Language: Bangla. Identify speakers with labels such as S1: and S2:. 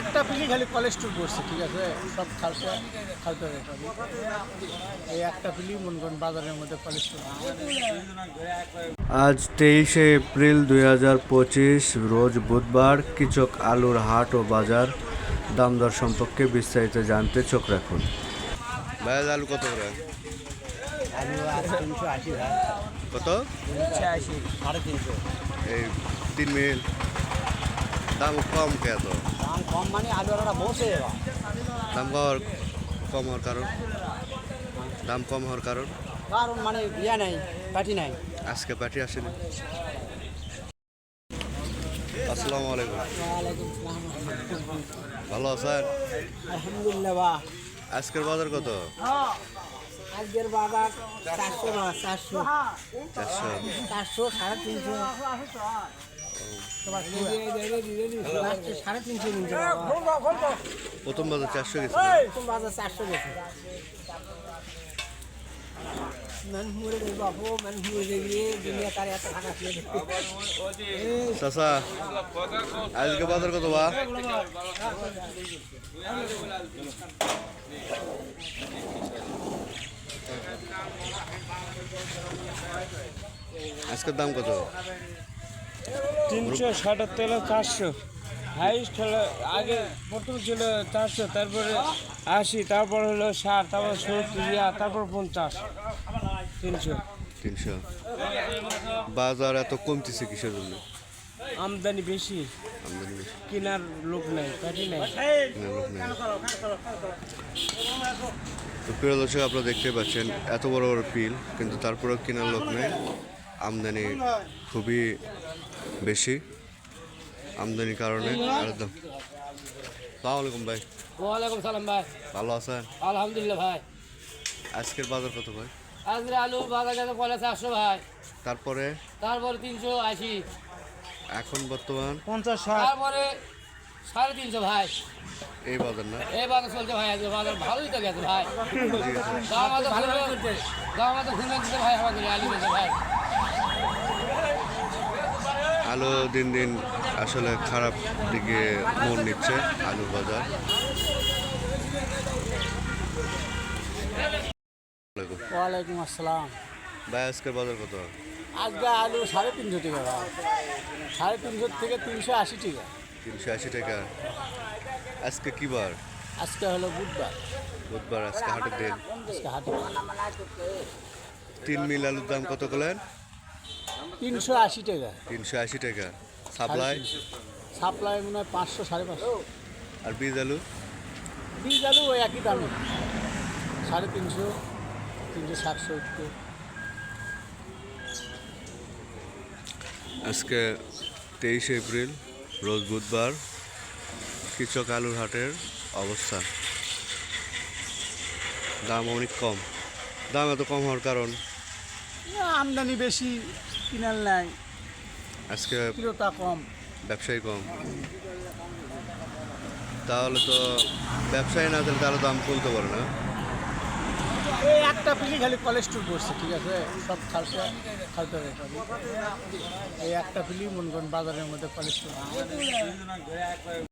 S1: একটা পিলি খালি কোলেস্ট্রল পড়ছে, ঠিক আছে, সব খালতে খালতে এই একটা পিলি মনে করেন বাজারের মধ্যে কোলেস্ট্রল।
S2: আজ 23শে এপ্রিল 2025 রোজ বুধবার। কিচক আলুর হাট ও বাজার দাম দর সম্পর্কে বিস্তারিত জানতে চোখ রাখুন। ভাই আলু কত করে?
S1: আলু আছে 380 ভাই।
S2: কত?
S1: 380, 350।
S2: এই 3 মিল দাম কম কে? তো
S1: দাম কম মানে আলুরা বসে
S2: দাম কম হওয়ার কারণ? দাম কম হওয়ার কারণ
S1: কারণ মানে ইয়া নাই, পাটি নাই।
S2: আজকে পার্টি আসেনি। আসসালামু আলাইকুম।
S1: ওয়ালাইকুম আসসালাম।
S2: ভালো আছেন?
S1: আলহামদুলিল্লাহ। বাহ,
S2: আজকের বাজার কত?
S1: আজকের বাজার 400 না, 400
S2: 400
S1: 400, 350। তোমার 350 নিচে
S2: প্রথম বাজার 400 গেছে।
S1: তুমি বাজার 400 গেছে।
S2: চাচা আজকে বাজার কত? বা আজকের দাম কত?
S3: 377 হলো 400, হাইস্ট হলো আগে প্রথম ছিল 400, তারপরে 80, তারপর হলো 60, তারপর 70, তারপর 50, 300।
S2: 300। বাজার এত কমতেছে কিসের জন্য?
S3: আমদানি বেশি,
S2: আমদানি বেশি,
S3: কেনার লোক নাই, পাটি নাই।
S2: কেনার লোক নেই। তো প্রিয় দর্শক, আপনারা দেখতে পাচ্ছেন এত বড় বড় পিল, কিন্তু তারপরেও কেনার লোক নেই। আমদানি খুবই বেশি, আমদানির কারণে একদম। সালাম আলাইকুম ভাই।
S4: ওয়ালাইকুম সালাম ভাই।
S2: ভালো আছেন?
S4: আলহামদুলিল্লাহ ভাই।
S2: আজকের বাজার কত ভাই?
S4: আজকে আলু বাজার গেছে 450 ভাই,
S2: তারপরে
S4: তারপরে 380,
S2: এখন বর্তমান
S1: 50, 60।
S4: তারপরে 350 ভাই।
S2: এই বাজার না?
S4: এই বাজার চলছে ভাই, আজকে বাজার ভালোই তো গেছে ভাই। দাম আমাদের ঘুরে দিতে ভাই, আমাদের আলু গেছে ভাই।
S2: আলু দিন দিন আসলে খারাপ দিকে মন নিচ্ছে আলুর বাজার।
S1: ওয়ালাইকুম আসসালাম।
S2: ভাই আজকের বাজার কত?
S1: আজকে আলু 350 টাকা ভাই, 350 থেকে 380 টাকা।
S2: 380 টাকা। আজকে কি বার?
S1: আজকে হলো বুধবার,
S2: বুধবার, আজকে হাটের দিন।
S1: আজকে হাটে
S2: 3 মিল আলুর দাম কত করলেন?
S1: 380 টাকা।
S2: 380 টাকা। সাপ্লাই?
S1: সাপ্লাই মনে হয় 500, 550।
S2: আর বীজ আলু?
S1: বীজ আলু ওই একই দামে, 350, 360, 70।
S2: আজকে 23শে এপ্রিল রোজ বুধবার। কিচক আলুর হাটের অবস্থা, দাম অনেক কম। দাম এত কম হওয়ার কারণ?
S1: আমদানি বেশি, কিনাল নাই,
S2: আজকে
S1: ক্রেতা কম।
S2: ব্যবসায়ী কম। তাহলে তো ব্যবসায়ী না থাকলে তাহলে দাম কমতে পারে না।
S1: এই একটা পিলি খালি কোলেস্ট্রল পড়ছে, ঠিক আছে, সব খালতে খালতে এই একটা পিলি মনে করেন বাজারের মধ্যে কোলেস্ট্রল।